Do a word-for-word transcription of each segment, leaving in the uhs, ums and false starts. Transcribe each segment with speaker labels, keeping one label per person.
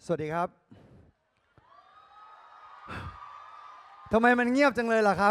Speaker 1: สวัสดีครับทำไมมันเงียบจังเลยล่ะครับ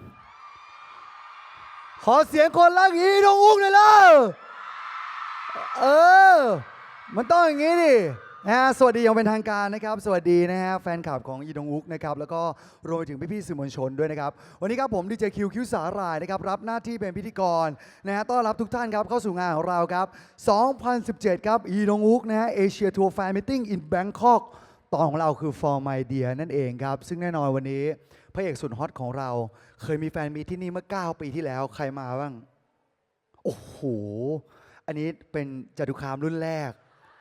Speaker 1: ขอเสียงคนรักอีดงอุ้งหน่อยล่ะเออมันต้องอย่างนี้ดินะฮะสวัสดีอย่างเป็นทางการนะครับสวัสดีนะฮะแฟนคลับของอีดงอุกนะครับแล้วก็รวมไปถึงพี่ๆสื่อมวลชนด้วยนะครับวันนี้ครับผมดีเจคิวคิวสาหร่ายนะครับรับหน้าที่เป็นพิธีกรนะฮะต้อนรับทุกท่านครับเข้าสู่งานของเราครับสองพันสิบเจ็ดครับอีดงอุกนะฮะเอเชียทัวร์แฟนมิทติ้งอินแบงคอกตอนของเราคือ For My Dear นั่นเองครับซึ่งแน่นอนวันนี้พระเอกสุดฮอตของเราเคยมีแฟนมีที่นี่เมื่อเก้าปีที่แล้วใครมาบ้างโอ้โหอันนี้เป็นจตุคามรุ่นแรก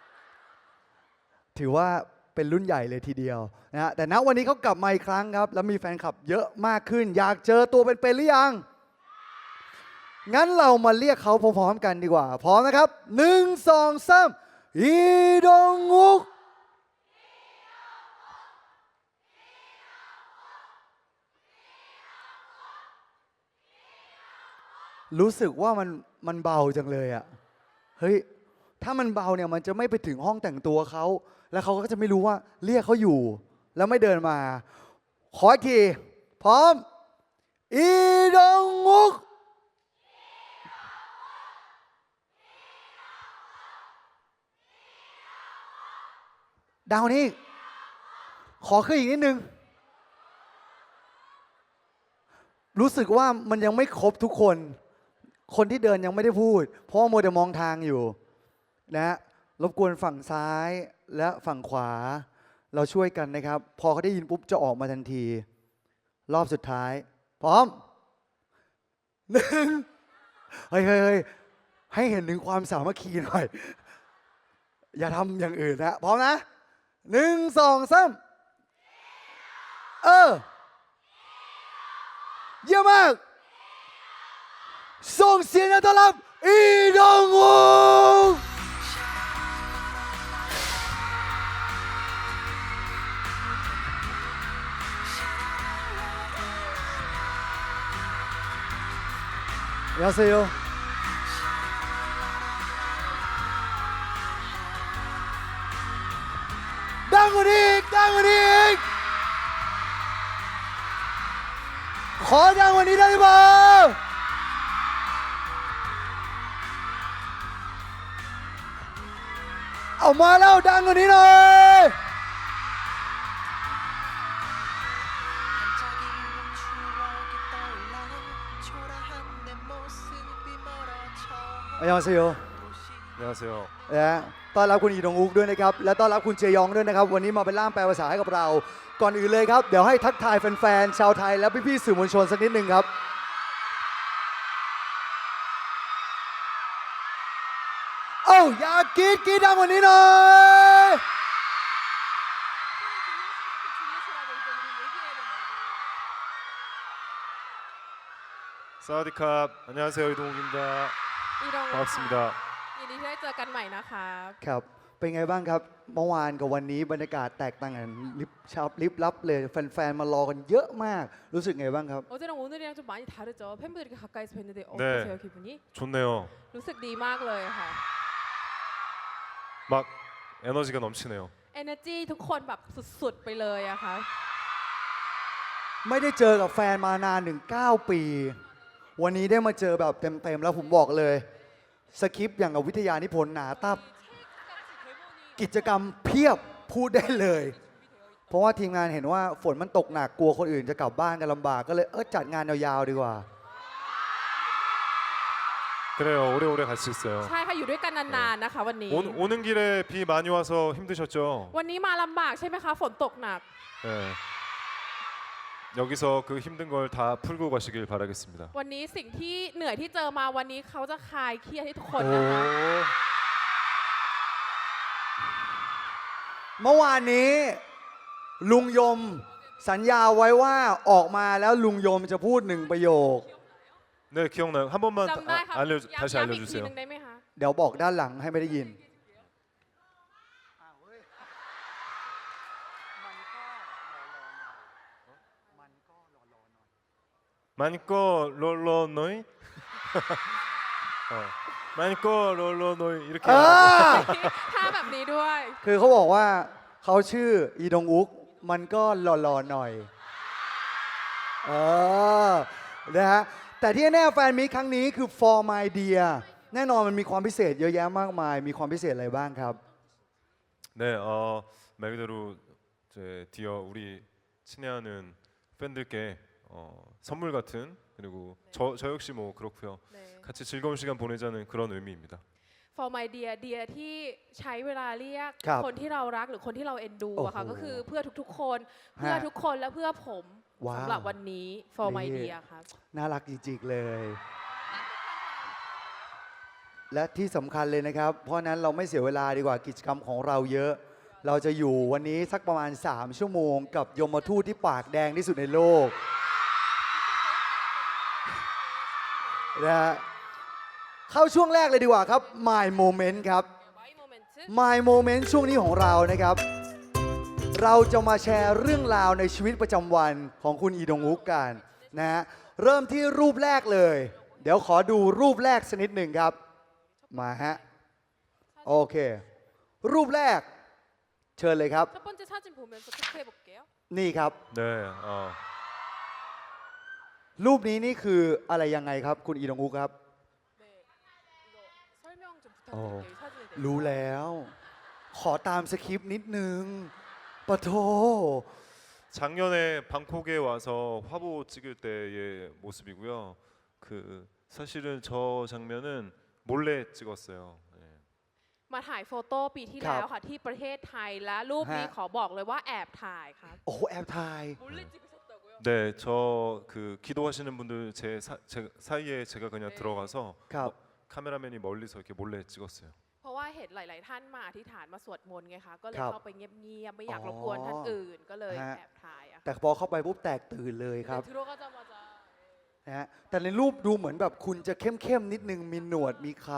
Speaker 1: ถือว่าเป็นรุ่นใหญ่เลยทีเดียวนะฮะแต่ณวันนี้เขากลับมาอีกครั้งครับแล้วมีแฟนคลับเยอะมากขึ้นอยากเจอตัวเป็นๆหรือยังงั้นเรามาเรียกเขาพร้อมๆกันดีกว่าพร้อมนะครับหนึ่งสองสามอีดงอุกรู้สึกว่ามันมันเบาจังเลยอะเฮ้ยถ้ามันเบาเนี่ยมันจะไม่ไปถึงห้องแต่งตัวเขาแล้วเขาก็จะไม่รู้ว่าเรียกเขาอยู่แล้วไม่เดินมาขออีกทีพร้อมอีดงอุกดาวนี้ขอขึ้นอีกนิดนึงรู้สึกว่ามันยังไม่ครบทุกคนคนที่เดินยังไม่ได้พูดเพราะว่าโมเดลมองทางอยู่นะรบกวนฝั่งซ้ายและฝั่งขวาเราช่วยกันนะครับพอเขาได้ยินปุ๊บจะออกมาทันทีรอบสุดท้ายพร้อมหนึ่งเฮ้ยเฮ้ยเฮ้ยให้เห็นถึงความสามัคคีหน่อยอย่าทำอย่างอื่นนะพร้อมนะหนึ่งสองสามเออเยี่ยมมากส่งเสียงต้อนรับอีดงอุกยาเซโยดังกว่านี้อีกดังกว่านี้อีกขอดังกว่านี้ได้ไหมเอามาแล้วดังกว่านี้หน่อยอันยองเซโย
Speaker 2: 안녕하세요.
Speaker 1: นะต้อนรับคุณอีดงอุกด้วยนะครับและต้อนรับคุณเจยองด้วยนะครับวันนี้มาเป็นล่ามแปลภาษาให้กับเราก่อนอื่นเลยครับเดี๋ยวให้ทักทายแฟนๆชาวไทยและพี่ๆสื่อมวลชนสักนิดหนึ่งครับเอ้าอยากกรีดกรีดดังกว่านี้หน่อย
Speaker 2: 사와디캅. 안녕하세요. 이동욱입니다.
Speaker 3: อีดง
Speaker 2: 반갑습니다.
Speaker 3: ยินดีที่ได้เจอกันใหม่นะคะ
Speaker 1: ครับเป็นไงบ้างครับเมื่อวานกับวันนี้บรรยากาศแตกต่างกันลิบชาวลิบลับเลยแฟนๆมารอกันเยอะมากรู้สึกไงบ้างครับ
Speaker 3: 어제랑 오늘이랑 좀 많이 다르죠. 팬분들이 이렇게 가까이서 뵀는데
Speaker 2: 네.
Speaker 3: 어떠세요 기분이?
Speaker 2: 좋네요.
Speaker 3: รู้สึกดีมากเลยค่ะ
Speaker 2: 막 에너지가 넘치네요.
Speaker 3: energy ทุกคนแบบสุดๆไปเลยอะค่ะ
Speaker 1: ไม่ได้เจอกับแฟนมานานถึงเก้าปี วันนี้ได้มาเจอแบบเต็มๆแล้วผมบอกเลยสคริปต์อย่างกับวิทยานิพนธ์หนาตับกิจกรรมเพียบพูดได้เลย เพราะว่าทีมงานเห็นว่าฝนมันตกหนักกลัวคนอื่นจะกลับบ้านกันลำบากก็เลยเออจัดงานยาวๆดีกว่า
Speaker 2: 그래요. 오래오래 갈 수 있어요.
Speaker 3: ใช่ค่ะอยู่ด้วยกันนานๆนะคะวันนี้
Speaker 2: 오, 오는 길에 비 많이 와서 힘드셨죠?
Speaker 3: วันนี้มาลำบากใช่ไหมคะฝนตกหนัก
Speaker 2: 네. 여기서 그 힘든 걸 다 풀고 가시길 바라겠습니다.
Speaker 3: วันนี้สิ่งที่เหนื่อยที่เจอมาวันนี้เขาจะคลายเครียดให้ทุกคน
Speaker 1: โอ้
Speaker 3: นะคะ
Speaker 1: เมื่อวานนี้ลุงยมสัญญาไว้ว่าออกมาแล้วลุงยมจะพูดหนึ่งประโยค
Speaker 2: 네, 기억나요. 한 번만
Speaker 3: จำได้ค่ะ
Speaker 2: 아, 알려
Speaker 3: ย้ำ
Speaker 2: 다시
Speaker 3: ย้ำอีกที
Speaker 2: 알려주세요.
Speaker 3: หนึงได้ไหมคะ
Speaker 1: เดี๋ยวบอกด้านหลังให้ไม่ได้ยิน
Speaker 2: 마니꺼 롤러노이. 어. 마니꺼 롤러노이 이렇게.
Speaker 1: เออ
Speaker 3: ท่าแบบนี้ด้วย
Speaker 1: คือเขาบอกว่าเขาชื่ออีดงอุกมันก็หล่อๆหน่อยเออนะฮะแต่ที่แน่แฟนมีตครั้งนี้คือ for my dear แน่นอนมันมีความพิเศษเยอะแยะมากมาย มีความพิเศษอะไรบ้างครับ
Speaker 2: 네, 어, 말 그대로 이제 디어 우리 친애하는 팬들께 어, 선물 같은 그리고 저, 저 역시 뭐 그렇고요.
Speaker 3: เน
Speaker 2: 같이 즐거운 시간 보내자는 그런 의미입니다.
Speaker 3: for my dear dear ที่ใช้เวลาเรียก
Speaker 1: ครับ
Speaker 3: คนที่เรารักหรือคนที่เราเอ็นดูอะค่ะ
Speaker 1: โอ้โห
Speaker 3: ก็คือเพื่อทุกๆ คนเพื่อทุกคนและเพื่อผม
Speaker 1: ว้าว
Speaker 3: สำหรับวันนี้ for my
Speaker 1: นี่
Speaker 3: dear ครับ
Speaker 1: น่ารักจริงๆเลย และที่สำคัญเลยนะครับ เพราะฉะนั้นเราไม่เสียเวลาดีกว่ากิจกรรมของเราเยอะ เราจะอยู่วันนี้สักประมาณ สาม ชั่วโมง กับยมทูตที่ปากแดงที่สุดในโลกนะฮะเข้าช่วงแรกเลยดีกว่าครับ My Moment ครับ My Moment ช่วงนี้ของเรานะครับ เราจะมาแชร์เรื่องราวในชีวิตประจำวันของคุณอีดงอุกกันนะฮะเริ่มที่รูปแรกเลย เดี๋ยวขอดูรูปแรกสักนิดหนึ่งครับ มาฮะ โอเค รูปแรก เชิญเลยครับ
Speaker 3: 첫 번째 사진 보면서 체크해 볼게요.
Speaker 1: นี่ครับ
Speaker 2: 네, 어,
Speaker 1: รูปนี้นี่คืออะไรยังไงครับ คุณอีดงอุกครับ
Speaker 3: 네, 이거 설명 좀
Speaker 1: 어,
Speaker 3: 부탁드릴게요. 이 사진에 대해서.
Speaker 1: รู้แล้ว ขอตามสคริปต์นิดนึงปะโท
Speaker 2: 작년에 방콕에 와서 화보 찍을 때의 모습이고요. 그 사실은 저 장면은 몰래 찍었어요. 네.
Speaker 3: มาถ่ายโฟโต้ปีที่แล้วค่ะที่ประเทศไทยและรูปนี้ขอบอกเลยว่าแอบถ่ายครับ
Speaker 1: โอ้โหแอบถ่าย
Speaker 3: 몰래 찍으셨다고요?
Speaker 2: 네, 저 그 기도하시는 분들 제, 사, 제 사이에 제가 그냥
Speaker 3: 네.
Speaker 2: 들어가서
Speaker 1: ครับ
Speaker 2: 어, 카메라맨이 멀리서 이렇게 몰래 찍었어요.
Speaker 3: เพราะว่าเห็นหลาย ๆ ท่านมาอธิษฐานมาสวดมนต์ไงคะก็เลย
Speaker 1: ครับ
Speaker 3: เข้าไปเงียบ ๆ ไม่อยาก
Speaker 1: อ๋อ
Speaker 3: รบกวนท่านอื่นก็เลย
Speaker 1: ฮะ
Speaker 3: แอบถ่ายอะ
Speaker 1: แต่พอเข้าไปปุ๊บแตกตื่นเลยครับ
Speaker 3: 네, 들어가자마자
Speaker 1: นะฮะแต่ในรูปดูเหมือนแบบคุณจะเข้มๆนิดนึงมีหนวดมีเครา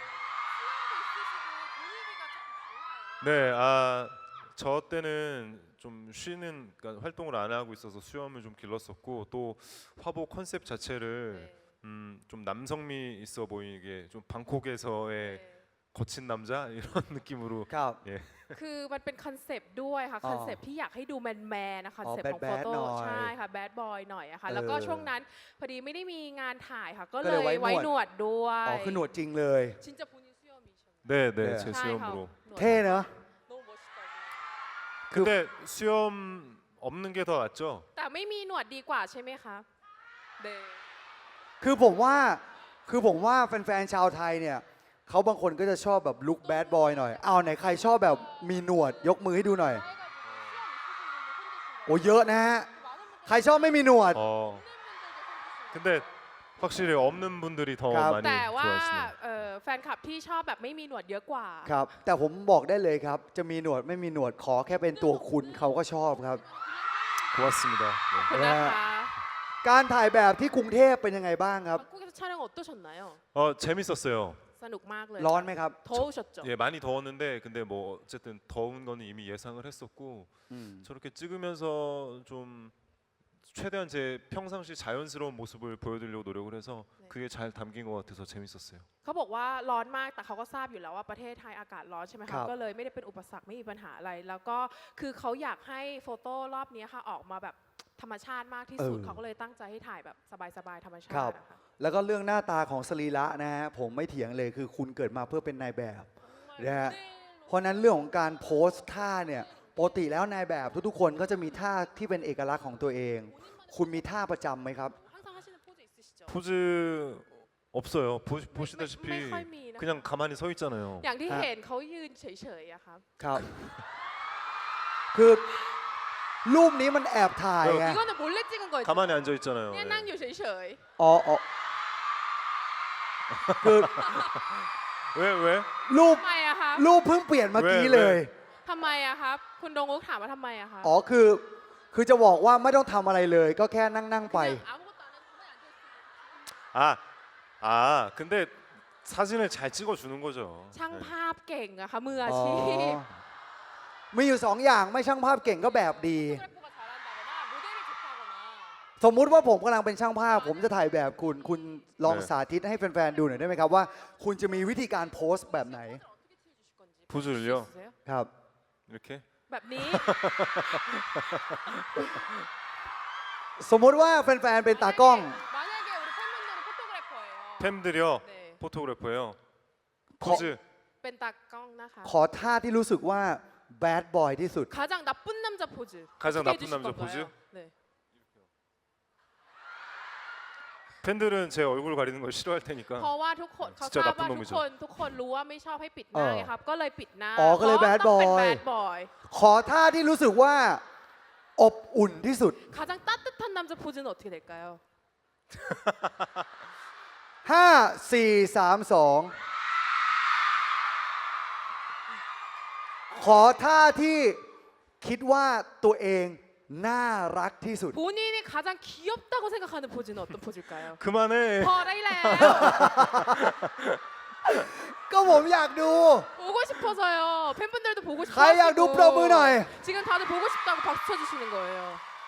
Speaker 2: 네, 아, 저 때는 좀 쉬는 그러니까 활동을 안 하고 있어서 수염을 좀 길렀었고 또 화보 컨셉 자체를
Speaker 3: 네.
Speaker 2: 음, 좀 남성미 있어 보이게 좀 방콕에서의
Speaker 3: 네.
Speaker 2: 거친 남자 이런 느낌으로
Speaker 1: ครับ
Speaker 2: 예.
Speaker 3: คือมันเป็นคอนเซปต์ด้วยค่ะ
Speaker 1: อ๋อ
Speaker 3: คอนเซปต์ที่อยากให้ดูแมนแมนนะคอนเซปต์
Speaker 1: อ๋อ
Speaker 3: ของโฟ
Speaker 1: bad
Speaker 3: โต้
Speaker 1: ๆหน่อย
Speaker 3: ใช่ค่ะแบดบอยหน่อยอะค่ะ
Speaker 1: เออ
Speaker 3: แล้วก็ช่วงนั้นพอดีไม่ได้มีงานถ่ายค่ะ ก็
Speaker 1: ก็
Speaker 3: เล
Speaker 1: เลย
Speaker 3: ย
Speaker 1: ไว้
Speaker 3: ไว้
Speaker 1: ห
Speaker 3: ห
Speaker 1: น
Speaker 3: น
Speaker 1: ว
Speaker 3: ว
Speaker 1: ด
Speaker 3: ดด้วย
Speaker 1: อ๋อคือหนวดจริงเลย
Speaker 3: ชินจะพูนิเซียมิช
Speaker 2: 네, 네,
Speaker 1: 네.
Speaker 2: 제
Speaker 3: ใช่ค่ะ
Speaker 2: 수염으로.
Speaker 3: หนวด
Speaker 1: เท่เนอะ
Speaker 3: 너무 멋있다고.
Speaker 2: 근데 수염 없는 게 더 낫죠?
Speaker 3: แต่ไม่มีหนวดดีกว่าใช่ไหมคะเด
Speaker 1: คือผมว่าคือผมว่าแฟนๆชาวไทยเนี่ยเขาบางคนก็จะชอบแบบลุคแบดบอยหน่อยเอาไหนใครชอบแบบมีหนวดยกมือให้ดูหน่อย โอ้เยอะนะฮะ ใครชอบไม่มีหนวด
Speaker 2: 어. 근데 확실히 없는 분들이 더
Speaker 1: 가-
Speaker 2: 많이
Speaker 3: แต่ว่า
Speaker 2: 좋아하시네요.
Speaker 3: เอ่อแฟนคลับที่ชอบแบบไม่มีหนวดเยอะกว่า
Speaker 1: ครับ แต่ผมบอกได้เลยครับ จะมีหนวดไม่มีหนวดขอแค่เป็นตัวคุณเขาก็ชอบครับ
Speaker 2: 고맙습니다. 네.
Speaker 3: คุณนะคะ
Speaker 1: การถ่ายแบบที่กรุงเทพเป็นยังไงบ้างครับ
Speaker 3: 방콕에서 촬영 어떠셨나요?
Speaker 2: 어, 재밌었어요.
Speaker 3: สนุกมากเลย
Speaker 1: ร้อนไหมครับ
Speaker 3: 더우셨죠?
Speaker 2: 예, 많이 더웠는데 근데 뭐 어쨌든 더운 거는 이미 예상을 했었고
Speaker 1: อืม
Speaker 2: 저렇게 찍으면서 좀 최대한 제 평상시 자연스러운 모습을 보여드리려고 노력을 해서
Speaker 3: 네.
Speaker 2: 그게 잘 담긴 것 같아서 재밌었어요.
Speaker 3: เขาบอกว่าร้อนมากแต่เขาก็ทราบอยู่แล้วว่าประเทศไทยอากาศร้อนใช่ไหม
Speaker 1: ครั
Speaker 3: คะ
Speaker 1: บ
Speaker 3: ก็เลยไม่ได้เป็นอุปสรรคไม่มีปัญหาอะไร แล้วก็คือเขาอยากให้โฟโต้รอบนี้ค่ะออกมาแบบธรรมชาติมากที่สุดเขาก็เลยตั้งใจให้ถ่ายแบบสบายๆธรรมชา
Speaker 1: ครับ
Speaker 3: ตินะคะ
Speaker 1: แล้วก็เรื่องหน้าตาของสรีระนะฮะผมไม่เถียงเลยคือคุณเกิดมาเพื่อเป็นนายแบบ นะฮะ เพราะฉะนั้นเรื่องของการโพสท่าเนี่ยปกติแล้วนายแบบทุกๆคนก็จะมีท่าที่เป็นเอกลักษณ์ของตัวเอง คุณมีท่าประจำไหมครับ
Speaker 3: 항상 하시는 포즈 있으시죠?
Speaker 2: 포즈 없어요. 보, 보시다시피
Speaker 3: 매ค่อยมีนะคะ
Speaker 2: 그냥 가만히 서 있잖아요.
Speaker 3: อย่างที่
Speaker 1: ฮะ
Speaker 3: เห็นเขายืนเฉยๆอะครับ
Speaker 1: ครับ คือรูปนี้มันแอบถ่ายไง
Speaker 3: 이거는 몰래 찍은 거죠?
Speaker 2: 가만히 앉아 있잖아요.
Speaker 3: เนี่ย
Speaker 2: 예.
Speaker 3: นั่งอยู่เฉย
Speaker 1: อ๋ออ๋อคือ
Speaker 2: 왜 왜?
Speaker 1: รูป
Speaker 3: ๆทำไมอะครับ
Speaker 1: รูปเพิ่งเปลี่ยนเมื่อกี้เลย
Speaker 3: ทำไมอะครับ คุณดงอุกถามว่าทำไมอะครับ
Speaker 1: อ๋อคือ คือจะบอกว่าไม่ต้องทำอะไรเลย ก็แค่นั่งนั่งๆไป
Speaker 3: 그냥 아무것도 안 해도 가만히 앉아있어요.
Speaker 2: 아, 아, 근데 사진을 잘 찍어주는 거죠.
Speaker 3: ช่าง
Speaker 2: 네.
Speaker 3: ภาพเก่งอะค่ะมืออา
Speaker 1: อ๋อ
Speaker 3: ชีพ
Speaker 1: มีอยู่สองอย่างไม่ช่างภาพเก่งก็แบบดี
Speaker 3: 포토그래퍼가 잘한다거나 모델이 좋다거나
Speaker 1: สมมุติว่าผมกำลังเป็นช่างภาพ ผมจะถ่ายแบบคุณ คุณลอง
Speaker 2: เออ
Speaker 1: สาธิตให้แฟนๆดูหน่อยได้ไหมครับว่า คุณจะมีวิธีการโพสต์แบบไหน
Speaker 3: 어떻게 찍어주실 건지
Speaker 2: 포즈를요?
Speaker 3: 있으세요?
Speaker 1: ครับ
Speaker 2: 이렇게
Speaker 3: แบบนี้
Speaker 1: สมมติว่าแฟนๆเป็นตากล้อง
Speaker 3: 만약에 우리 팬분들이 포토그래퍼예요.
Speaker 2: 팬들이요.
Speaker 3: 네.
Speaker 2: 포토그래퍼예요.
Speaker 1: 거-
Speaker 2: 포즈.
Speaker 3: เป็นตากล้องนะคะ
Speaker 1: ขอท่าที่รู้สึกว่าแบดบอยที่สุด
Speaker 3: 가장 나쁜 남자 포즈.
Speaker 2: 가장
Speaker 3: 어떻게
Speaker 2: 나쁜
Speaker 3: 해주실
Speaker 2: 남자
Speaker 3: 건가요?
Speaker 2: 포즈?
Speaker 3: 네.
Speaker 2: 팬들은 제 얼굴 가리는 걸 싫어할 테니까.
Speaker 3: เพราะว่าทุกคนเขา
Speaker 2: 진짜
Speaker 3: ทราบ
Speaker 2: 나쁜
Speaker 3: ว่าทุก
Speaker 2: 놈이죠.
Speaker 3: คนทุกคนรู้ว่าไม่ชอบให้ปิดหน้า
Speaker 1: เออ
Speaker 3: ไงครับ ก็เลยปิดหน้า
Speaker 1: อ๋อก็เลย
Speaker 3: พราะ
Speaker 1: bad
Speaker 3: ต้องเป็น
Speaker 1: boy
Speaker 3: bad boy
Speaker 1: ขอท่าที่รู้สึกว่าอบอุ่นที่สุด
Speaker 3: 가장 따뜻한 남자 포즈는 어떻게 될까요?
Speaker 1: ห้า สี่ สาม สอง ขอท่าที่คิดว่าตัวเองน่ารักที่สุด
Speaker 3: 본인이 가장 귀엽다고 생각하는 포즈는 어떤 포즈일까요?
Speaker 2: 그만해.
Speaker 3: พอได้แล้ว
Speaker 1: ก็ผมอยากดู
Speaker 3: 보고 싶어서요. 팬분들도 보고
Speaker 1: ใครอยากดูปรบมือหน่อย
Speaker 3: 싶어가지고 지금 다들 보고 싶다고 박수 쳐주시는 거예요.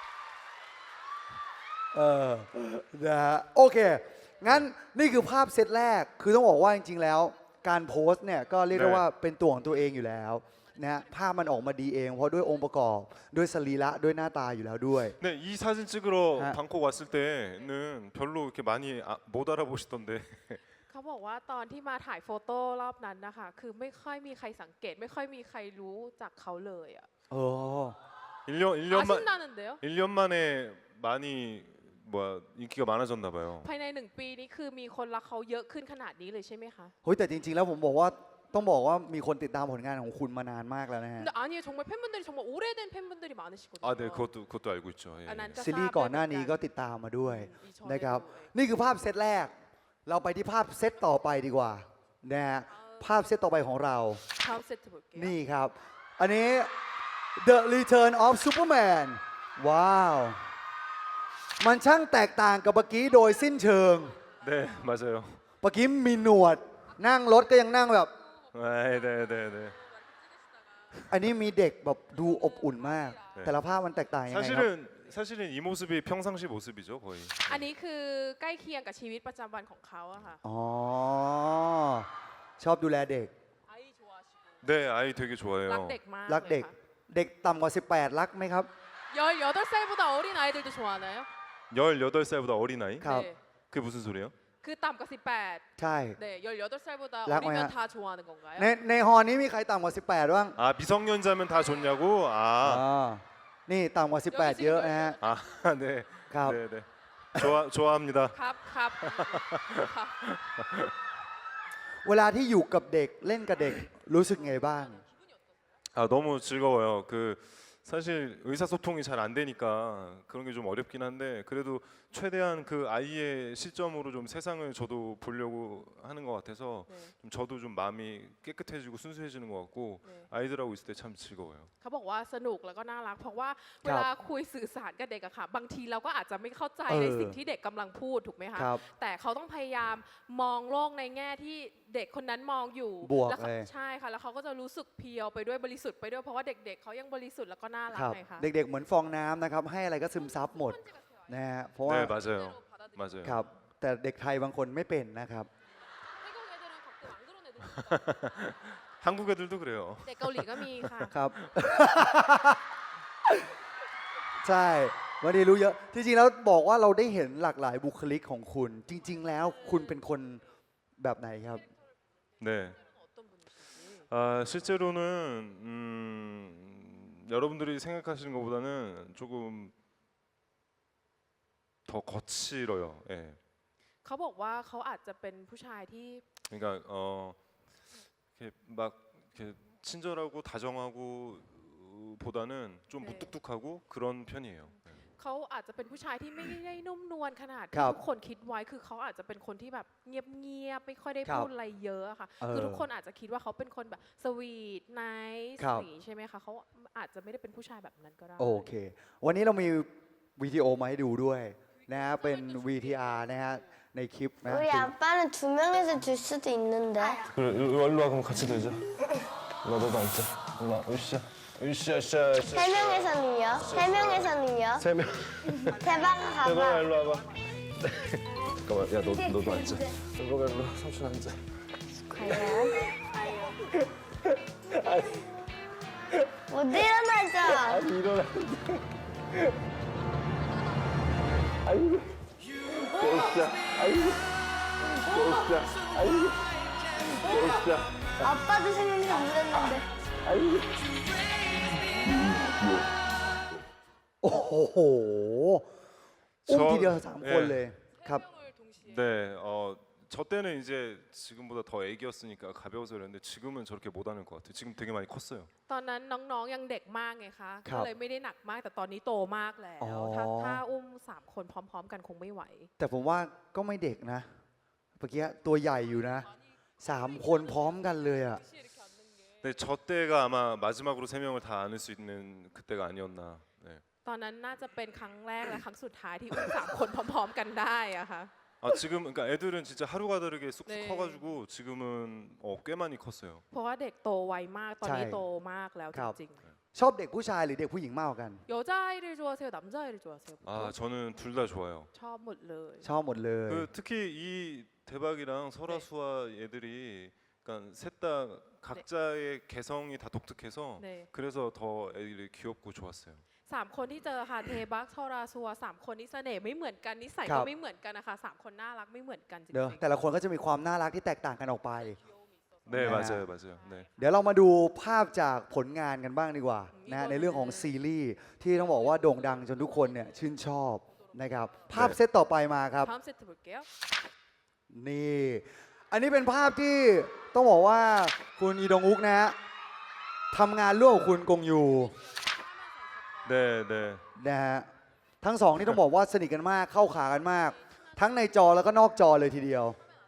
Speaker 1: เออนะฮะโอเค งั้นนี่คือภาพเซตแรก คือต้องบอกว่าจริงๆแล้ว การโพสต์เนี่ยก็เรียกได้ว่าเป็นตัวของตัวเองอยู่แล้วนะฮะภาพมันออกมาดีเอง เพราะด้วยองค์ประกอบ ด้วยสรีระด้วยหน้าตาอยู่แล้วด้วย
Speaker 2: 네, 이 사진 찍으러
Speaker 1: 아.
Speaker 2: 방콕 왔을 때는 별로 이렇게 많이 아, 못 알아보시던데.
Speaker 3: เขาบอกว่าตอนที่มาถ่ายโฟโต้รอบนั้นนะคะ คือไม่ค่อยมีใครสังเกต ไม่ค่อยมีใครรู้จักเขาเลยอะ
Speaker 1: เออ
Speaker 2: 일 년 일 년만
Speaker 3: 아신다는데요?
Speaker 2: 일 년 만에 많이 뭐야 인기가 많아졌나 봐요.
Speaker 3: ภายในหนึ่งปีนี้คือมีคนรักเขาเยอะขึ้นขนาดนี้เลยใช่ไหมคะ
Speaker 1: เฮ้ยแต่จริงๆแล้วผมบอกว่าต้องบอกว่ามีคนติดตามผลงานของคุณมานานมากแล้วนะฮะ
Speaker 3: 근데 아니에요. 정말 팬분들이 정말 오래된 팬분들이 많으시거든요.
Speaker 2: 아, 네, 그것도 그것도 알고 있죠. 예.
Speaker 3: 아, 난
Speaker 1: ซีรีส์ก่อนหน้านี้ก็ติดตามมาด้วย
Speaker 3: 이 전에도
Speaker 1: นะครับ นี่คือภาพเซตแรก เราไปที่ภาพเซตต่อไปดีกว่านะฮะภาพเซตต่อไปของเรา
Speaker 3: 다음 세트 볼게요.
Speaker 1: นี่ครับ อันนี้ The Return of Superman ว้าว มันช่างแตกต่างกับเมื่อกี้โดยสิ้นเชิง
Speaker 2: 네, 맞아요.
Speaker 1: เมื่อกี้มีหนวด นั่งรถก็ยังนั่งแบบ
Speaker 2: 네, 네, 네, 네.
Speaker 1: อันนี้มีเด็กแบบดูอบอุ่นมาก
Speaker 2: 네.
Speaker 1: แต่ละภาพมันแตกต่างยังไงครับ
Speaker 2: 사실은 사실은 이 모습이 평상시 모습이죠, 거의.
Speaker 3: อันนี้คือใกล้เคียงกับชีวิตประจำวันของเขาอะค่ะ
Speaker 1: อ๋อ ชอบดูแลเด็ก
Speaker 2: 네, 아이 되게
Speaker 3: รัก
Speaker 2: 좋아해요.
Speaker 3: เด็กมาก
Speaker 1: รักเด็ก เด็กต่ำกว่า สิบแปด รักไหมครับ
Speaker 3: 열여덟 살보다 어린 아이들도 좋아하나요?
Speaker 2: 열여덟 살보다 어린 아이?
Speaker 1: ครับ
Speaker 3: 네.
Speaker 2: 그게 무슨 소리예요?
Speaker 3: 그ต่ำกว่าสิบแปด
Speaker 1: ใช่
Speaker 3: 네, 열여덟 살보다
Speaker 1: 락
Speaker 3: 어리면
Speaker 1: 뭐야?
Speaker 3: 다 좋아하는 건가요?
Speaker 1: ในในฮอนี้มีใครต่ำกว่า สิบแปด บ้าง
Speaker 2: 아, 미성년자면 다 좋냐고?
Speaker 1: อ๋
Speaker 2: 아,
Speaker 1: อ นี่ต่ำกว่า สิบแปด เยอะนะฮะ
Speaker 2: 아, 네,
Speaker 1: ครับ
Speaker 2: 네, 네. 좋아 좋아합니다.
Speaker 3: ครับครับครับ
Speaker 1: เวลาที่อยู่กับเด็กเล่นกับเด็กรู้สึกไงบ้าง
Speaker 2: 아, 너무 즐거워요. 그 사실 의사소통이 잘 안 되니까 그런 게 좀 어렵긴 한데 그래도 최대한 그 아이의 시점으로 좀 세상을 저도 보려고 하는 것 같아서
Speaker 3: 네.
Speaker 2: 좀 저도 좀 마음이 깨끗해지고 순수해지는 것 같고
Speaker 3: 네.
Speaker 2: 아이들하고 있을 때 참 즐거워요.
Speaker 3: เขาบอกว่าสนุกแล้วก็น่ารัก เพราะว่าเวลาคุยสื่อสารกับเด็กอะค่ะ บางทีเราก็อาจจะไม่เข้าใจ
Speaker 1: เออ
Speaker 3: ในสิ่งที่เด็กกำลังพูดถูกไหมคะ
Speaker 1: ครับ
Speaker 3: แต่เขาต้องพยายามมองโลกในแง่ที่เด็กคนนั้นมองอยู่
Speaker 1: บวก
Speaker 3: แล้วขา
Speaker 1: เลย
Speaker 3: ใช่ค่ะ แล้วเขาก็จะรู้สึกเพียวไปด้วยบริสุทธิ์ไปด้วยเพราะว่าเด็กๆเขายังบริสุทธิ์แล้วก็น่ารัก
Speaker 1: ครับ
Speaker 3: ไงคะ
Speaker 1: เด็กๆเหมือนฟองน้ำนะครับ ให้อะไรก็ซึมซับหมดนะฮะ เพราะว่า
Speaker 2: 네, 맞아요. 맞아요.
Speaker 1: ครับ แต่เด็กไทยบางคนไม่เป็นนะครับ
Speaker 2: 한국 애들도 그래요.
Speaker 3: เด็กเกาหลีก็มีค่ะ
Speaker 1: ครับ ใช่วันนี้รู้เยอะ จริงๆแล้วบอกว่าเราได้เห็นหลากหลายบุคลิกของคุณ จริง ๆ แล้วคุณเป็นคนแบบไหนครับ
Speaker 2: 네. 아, 실제로는 음, 여러분들이 생각하시는 것보다는 조금 더 거칠어요. 예.
Speaker 3: เขาบอกว่าเขาอาจจะเป็นผู้ชายที่
Speaker 2: 그러니까 어, 이렇게 막 이렇게 친절하고 다정하고 어, 보다는 좀
Speaker 3: 네.
Speaker 2: 무뚝뚝하고 그런 편이에요. 네.
Speaker 3: เขาอาจจะเป็นผู้ชายที่ไม่ได้นุ่มนวลขนาด
Speaker 1: ครั
Speaker 3: ที่
Speaker 1: บ
Speaker 3: ทุกคนคิดไว้ คือเขาอาจจะเป็นคนที่แบบเงียบๆ ไม่ค่อยได้
Speaker 1: ครับ
Speaker 3: พูดอะไรเยอะอะค่ะ
Speaker 1: เออ
Speaker 3: คือทุกคนอาจจะคิดว่าเขาเป็นคนแบบสวีทไนส์
Speaker 1: ครับ
Speaker 3: อย่างนี้ใช่ไหมคะเขาอาจจะไม่ได้เป็นผู้ชายแบบนั้นก็ได้
Speaker 1: โอเค วันนี้เรามีวิดีโอมาให้ดูด้วยนะฮะ เป็น วี ที อาร์ นะฮะ ในคลิปนะ
Speaker 4: 우리 아빠는 두 명에서 줄 수도 있는데.
Speaker 5: 그래, 일로 와 그럼 같이 들자. 일로 와, 너도 앉자. 일로 와, 으쌰, 으쌰, 으쌰, 으쌰.
Speaker 4: 세 명에서는요? 세 명에서는요?
Speaker 5: 세 명.
Speaker 4: 대박
Speaker 5: 대박아,
Speaker 4: 가봐.
Speaker 5: 일로 와봐. 잠깐만, 야, 너 너도 앉자. 대박아, 일로 와, 삼촌 앉아.
Speaker 4: 과연? 못 일어나죠.
Speaker 5: 아니 일어나. 아이고. 진짜. 아이고. 진짜. 아이고. 진짜.
Speaker 4: 아빠도 생각이 안 났는데.
Speaker 5: 아이고.
Speaker 1: โอ้โหอุ้มทีเดียวสามคนเลยครับ
Speaker 2: 네, 어, 저 때는 이제 지금보다 더 애기였으니까 가벼워서 그랬는데 지금은 저렇게 못 하는 것 같아요. 지금 되게 많이 컸어요.
Speaker 3: ตอนนั้นน้องๆยังเด็กมากไงคะ
Speaker 1: ครั
Speaker 3: ก็
Speaker 1: บ
Speaker 3: เลยไม่ได้หนักมากแต่ตอนนี้โตมากแล้ว
Speaker 1: อ๋อ
Speaker 3: ถ้าถ้าอุ้มสามคนพร้อม ๆ กันคงไม่ไหว
Speaker 1: แต่ผมว่าก็ไม่เด็กนะเมื่อกี้ตัวใหญ่อยู่นะสามคนพร้อมกันเลยอ่ะ
Speaker 2: 네, 저 때가 아마 마지막으로 세 명을 다 안을 수 있는 그때가 아니었나. 네.
Speaker 3: ตอนนั้นน่าจะเป็นครั้งแรกและครั้งสุดท้ายที่อุ้มสามคนพร้อม ๆ กันได้อะค่ะ
Speaker 2: 아 지금 그러니까 애들은 진짜 하루가 다르게 쑥쑥
Speaker 3: 네.
Speaker 2: 커가지고 지금은 어, 꽤 많이 컸어요.
Speaker 3: เพราะว่าเด็กโตไวมากตอนนี้
Speaker 1: ใช่
Speaker 3: โตมากแล้ว
Speaker 1: ค
Speaker 3: จ
Speaker 1: รับ
Speaker 3: ริง
Speaker 1: ชอบเด็กผู้ชายหรือเด็กผู้หญิงมากกว่ากัน
Speaker 3: ๆ여자아이를 좋아하세요 남자아이를 좋아하세요
Speaker 2: 아 저는 둘 다 좋아요.
Speaker 3: ชอบหมดเลย
Speaker 1: ชอบหมดเลย
Speaker 2: 그 특히 이 대박이랑 설아수아 애들이 그러니까 셋 다 각자의 개성이 다 독특해서
Speaker 3: 네.
Speaker 2: 그래서 더 애들이 귀엽고 좋았어요.
Speaker 3: สามคนที่เจอค่ะเทบักทอราซัวสามคนนี้เสน่ห์ไม่เหมือนกันนิสัย
Speaker 1: ครั
Speaker 3: ก็
Speaker 1: บ
Speaker 3: ไม่เหมือนกันนะคะสามคนน่ารักไม่เหมือนกันจริง
Speaker 1: เนอะแต่ละคนก็จะมีความน่ารักที่แตกต่างกันออกไป
Speaker 2: 네
Speaker 1: 네.
Speaker 2: 맞아요 맞아요. 네.
Speaker 1: เดี๋ยวเรามาดูภาพจากผลงานกันบ้างดีกว่านะฮะในเรื่องของซีรีส์ที่ต้องบอกว่าโด่งดังจนทุกคนเนี่ยชื่นชอบนะครับภาพเซตต่อไปมาครับ
Speaker 3: พร้อมเซต볼게요
Speaker 1: นี่ อันนี้เป็นภาพที่ต้องบอกว่าคุณอีดงอุกนะฮะทำงานร่วมกับคุณกงยู
Speaker 2: 네 네.
Speaker 1: นะฮะทั้งสองนี่ต้องบอกว่าสนิทกันมากเข้าขากันมาก ทั้งในจอแล้วก็นอกจอเลยทีเดียว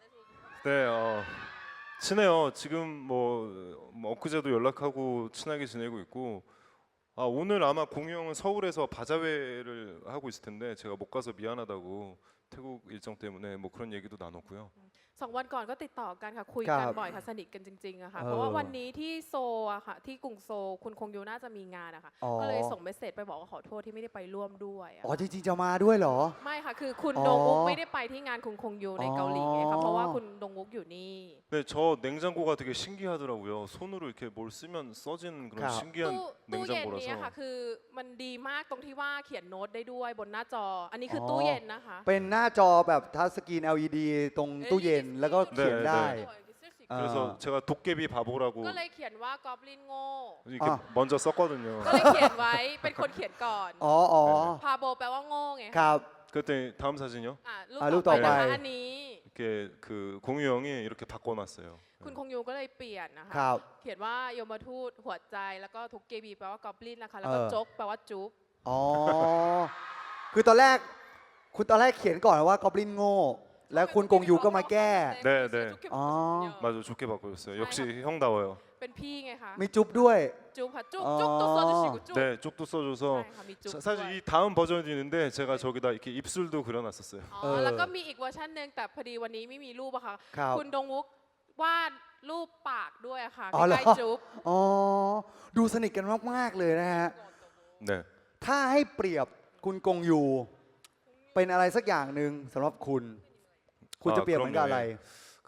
Speaker 2: 네 어, 친해요. 지금 뭐, 뭐 엊그제도 연락하고 친하게 지내고 있고 아 오늘 아마 공유 형은 서울에서 바자회를 하고 있을 텐데 제가 못 가서 미안하다고 태국 일정 때문에 뭐 그런 얘기도 나눴고요.
Speaker 3: สองวันก่อนก็ติดต่อกันค่ะคุย
Speaker 1: ครั
Speaker 3: กัน
Speaker 1: บ
Speaker 3: บ่อยค่ะสนิทกันจริงๆอะค่ะ
Speaker 1: เออ
Speaker 3: เพราะว่าวันนี้ที่โซลอะค่ะที่กรุงโซลคุณคงยูน่าจะมีงานอะค่ะ
Speaker 1: อ๋อ
Speaker 3: ก็เลยส่งเมสเซจไปบอกว่าขอโทษที่ไม่ได้ไปร่วมด้วยอะ
Speaker 1: อ๋อจริงๆจะมาด้วยเหรอ
Speaker 3: ไม่ค่ะคือคุณ
Speaker 1: อ๋อ
Speaker 3: ดงอุกไม่ได้ไปที่งานคุณคงยูในเกาหลีไง
Speaker 1: อ๋
Speaker 3: ค่ะ
Speaker 1: อ
Speaker 3: เพราะว่าคุณดงอุกอยู่นี่
Speaker 2: 네, 저 냉장고가 되게 신기하더라고요. 손으로 이렇게 뭘 쓰면 써지는 그런
Speaker 1: 가.
Speaker 2: 신기한
Speaker 3: ตู้ตู้เย็นนี้ค่ะ
Speaker 2: 냉장고라서
Speaker 3: คือมันดีมากตรงที่ว่าเขียนโน้ตได้ด้วยบนหน้าจอ อันนี้คืออ
Speaker 1: อ
Speaker 3: ตู้เย็นนะคะ
Speaker 1: เป็นหน้าจอแบบทัชสกรีน แอล อี ดี ตรงตู้เย็นแล้วก็เขียนได้ 아.
Speaker 2: 그래서 제가 도깨비 바보라고
Speaker 3: ก็เลยเขียนว่ากอบลินโง่
Speaker 2: 이렇게
Speaker 1: 아.
Speaker 2: 먼저 썼거든요.
Speaker 3: ก็เลยเขียนไว้เป็นคนเขียนก่อน
Speaker 1: อ๋ออ๋อ
Speaker 3: พาโบแปลว่าโง่ไง
Speaker 1: ค
Speaker 3: ค่ะ
Speaker 1: รับ
Speaker 2: 그랬더니 다음 사진이요.
Speaker 3: อ่ะรูป
Speaker 1: อ่ะรูป
Speaker 3: ต่อไป
Speaker 1: ต่อไป
Speaker 3: นะคะอันนี้
Speaker 2: 이렇게 그 공유 형이 이렇게 바꿔놨어요.
Speaker 3: คุณคงยูก็เลยเปลี่ยนนะคะ
Speaker 1: ครับ
Speaker 3: เขียนว่าโยมทูตหัวใจแล้วก็ทุกเกบีแปลว่ากอบลินนะคะแล้วก็
Speaker 1: เออ
Speaker 3: จกแปลว่าจุ๊บ
Speaker 1: อ๋อ คือตอนแรก คุณตอนแรกเขียนก่อนว่ากอบลินโง่ แล้วคุณกงยูก็มาแก้
Speaker 2: 네, 네.
Speaker 1: 아.
Speaker 2: 맞아 좋게 바꿔줬어요. 역시 형다워요.
Speaker 3: เป็นพี่ไงคะ
Speaker 1: มีจุ๊บด้วย
Speaker 3: จุ๊บค่ะจุ๊บ
Speaker 1: อ๋อ
Speaker 3: จุ๊บตัวโซจะชิกุจุ๊บ
Speaker 2: 네, 쪽도 써줘서
Speaker 3: ใช่ค่ะมีจุ๊บ
Speaker 2: 사-
Speaker 3: ด้วย
Speaker 2: 사실 이 다음 버전이 있는데 제가 저기다 이렇게 입술도 그려놨었어요.
Speaker 3: อ๋อแล้วก็มีอีกเวอร์ชันหนึ่งแต่พอดีวันนี้ไม่มีรูปอะค่ะ
Speaker 1: ครับ
Speaker 3: คุณดงวุกวาดรูปปากด้วยอะค่ะ
Speaker 1: อ๋อเหรอ
Speaker 3: ใกล้ๆจุ๊บ
Speaker 1: อ๋อ ดูสนิทกันมากๆเลยนะฮะ
Speaker 2: 네.
Speaker 1: ถ้าให้เปรียบคุณกงยู เป็นอะไรสักอย่างหนึ่งสำหรับคุณ คุณจะเปรียบเหมือนกับอะไร
Speaker 2: 그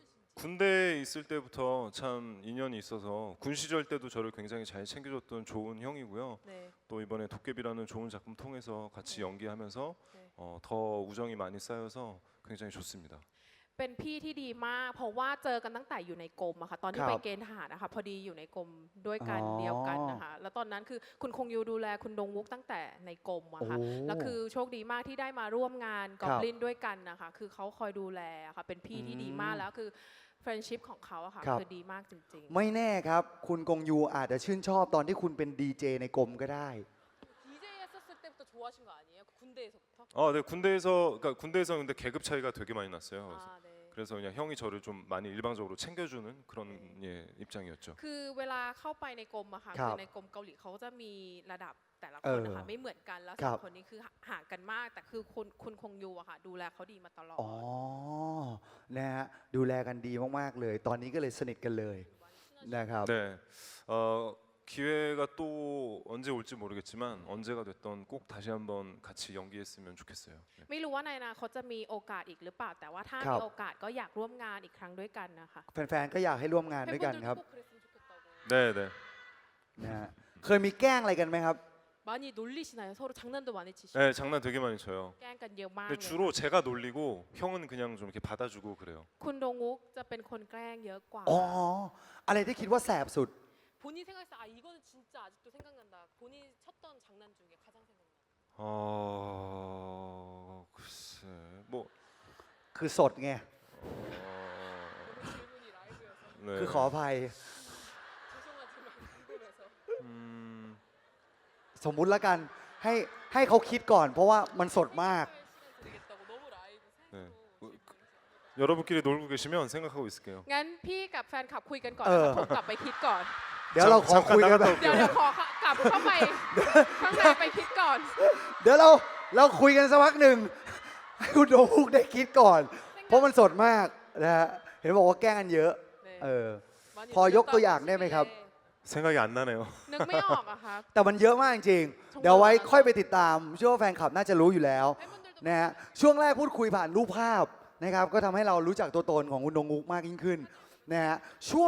Speaker 2: 군대에 있을 때부터 참 인연이 있어서 군 시절 때도 저를 굉장히 잘 챙겨줬던 좋은 형이고요.
Speaker 3: 네.
Speaker 2: 또 이번에 도깨비라는 좋은 작품 통해서 같이 연기하면서
Speaker 3: 네.
Speaker 2: 어, 더 우정이 많이 쌓여서 굉장히 좋습니다.
Speaker 3: เป็นพี่ที่ดีมากเพราะว่าเจอกันตั้งแต่อยู่ในกรมอะค่ะตอนที่
Speaker 1: ครับ
Speaker 3: ไปเกณฑ์ทหารนะคะพอดีอยู่ในกรมด้วยกัน
Speaker 1: อ๋อ
Speaker 3: เดียวกันนะคะแล้วตอนนั้นคือคุณคงยูดูแลคุณดงวุกตั้งแต่ในกรมอะค่ะ
Speaker 1: โอ้
Speaker 3: แล้วคือโชคดีมากที่ได้มาร่วมงานก
Speaker 1: ค
Speaker 3: อ
Speaker 1: รั
Speaker 3: บบ ลินด้วยกันนะคะคือเขาคอยดูแลอะค่ะเป็นพี่ที่ดีมาก
Speaker 1: อืม
Speaker 3: แล้วคือเฟรนชิพของเขาอะค่ะ
Speaker 1: ครับ
Speaker 3: คือดีมากจริง
Speaker 1: ไม่แน่ครับ คุณกงยูอาจจะชื่นชอบตอนที่คุณเป็นดีเจในกรมก็ได้
Speaker 3: 디제이 했었을 때부터 좋아하신 거 아니에요? 군대에서부터?
Speaker 2: 어, 네 군대에서 그러니까 군대에서 근데 계급 차이가 되게 많이 났어요. 그래서,
Speaker 3: 아, 네.
Speaker 2: 그래서 그냥 형이 저를 좀 많이 일방적으로 챙겨주는 그런 예, 입장이었죠.
Speaker 3: คือเวลาเข้าไปในกรมอะค่ะ
Speaker 1: ครับ
Speaker 3: คือในกรมเกาหลีเขาจะมีระดับแต่ละ
Speaker 1: เอ
Speaker 3: คน
Speaker 1: อ
Speaker 3: นะคะไม่เหมือนกันแล้ว
Speaker 1: ครั
Speaker 3: สอง
Speaker 1: บ
Speaker 3: คนนี้คือห่างกันมาก แต่คือคุณคุณคงยูอะค่ะดูแลเขาดีมาตลอด
Speaker 1: อ๋อ นะฮะ ดูแลกันดีมากๆเลย ตอนนี้ก็เลยสนิทกันเลยนะครับ
Speaker 2: 네, 어, 기회가 또 언제 올지 모르겠지만 언제가 됐던 꼭 다시 한번 같이 연기했으면 좋겠어요. 네.
Speaker 3: ไม่รู้ว่าในอนาคตจะมีโอกาสอีกหรือเปล่า แต่ว่าถ้า
Speaker 1: ครับ
Speaker 3: มีโอกาสก็อยากร่วมงานอีกครั้งด้วยกันนะคะ
Speaker 1: แฟนๆ ก็อยากให้ร่วมงานด้วยกันครับ
Speaker 3: 팬분들도 꼭 그랬으면 좋겠다고.
Speaker 2: 네, 네.
Speaker 1: นะฮะเคยมีแกล้งอะไรกันไหมครับ
Speaker 3: 많이 놀리시나요? 서로 장난도 많이 치시고
Speaker 2: 네, 장난 되게 많이 쳐요.
Speaker 3: แกล้งกันเยอะมาก
Speaker 2: 근데
Speaker 3: เลย
Speaker 2: 주로 제가 놀리고 형은 그냥 좀 이렇게 받아주고 그래요.
Speaker 3: คุณดงวุกจะเป็นคนแกล้งเยอะกว่า
Speaker 1: อ๋อ อะไรที่คิดว่าแสบสุด
Speaker 3: 본인 생각했을 때 아 이거는 진짜 아직도 생각난다. 본인 쳤던 장난 중에 가장 생각나.
Speaker 2: 어, 글쎄, 뭐,
Speaker 1: คือสดไง
Speaker 2: 어,
Speaker 3: 질문이 라이브여서
Speaker 1: คือ
Speaker 2: 네,
Speaker 1: ขออภัย
Speaker 3: 죄송하지만 궁금해서.
Speaker 2: 음,
Speaker 1: สมมุติละกัน ให้ให้เขาคิดก่อน เพราะว่ามันสดมาก
Speaker 3: 시간 드리겠다고 너무 라이브
Speaker 2: 네.
Speaker 3: 생으로
Speaker 2: 어, 그, 여러분끼리 놀고 계시면 생각하고 있을게요.
Speaker 3: งั้นพี่กับแฟนคลับคุยกันก่อน
Speaker 1: เออ
Speaker 3: นะคะผมกลับไปคิดก่อน
Speaker 1: เดี๋ยวเราขอคุยกันแบบ
Speaker 3: เดี๋ยวเดี๋ยวขอกลับเข้าไปข้างในไปคิดก่อน
Speaker 1: เดี๋ยวเราเราคุยกันสักพักหนึ่งให้คุณโดมุกได้คิดก่อน เพราะมันสดมากนะฮะเห็นบอกว่าแกล้งกันเยอะ เออ พอยกตัวอย่างได้ไหมครับ
Speaker 2: 생각이 안 나네요.
Speaker 3: นึกไม่ออกอะครับ
Speaker 1: แต่มันเยอะมากจริงๆเดี๋ยวไว้ค่อยไปติดตามเชื่อว่าแฟนคลับน่าจะรู้อยู่แล้ว
Speaker 3: 팬분들도
Speaker 1: นะฮะช่วงแรกพูดคุยผ่านรูปภาพนะครับก็ทำให้เรารู้จักตัวตนของคุณโดมุกมากยิ่งขึ้นนะฮะช่วง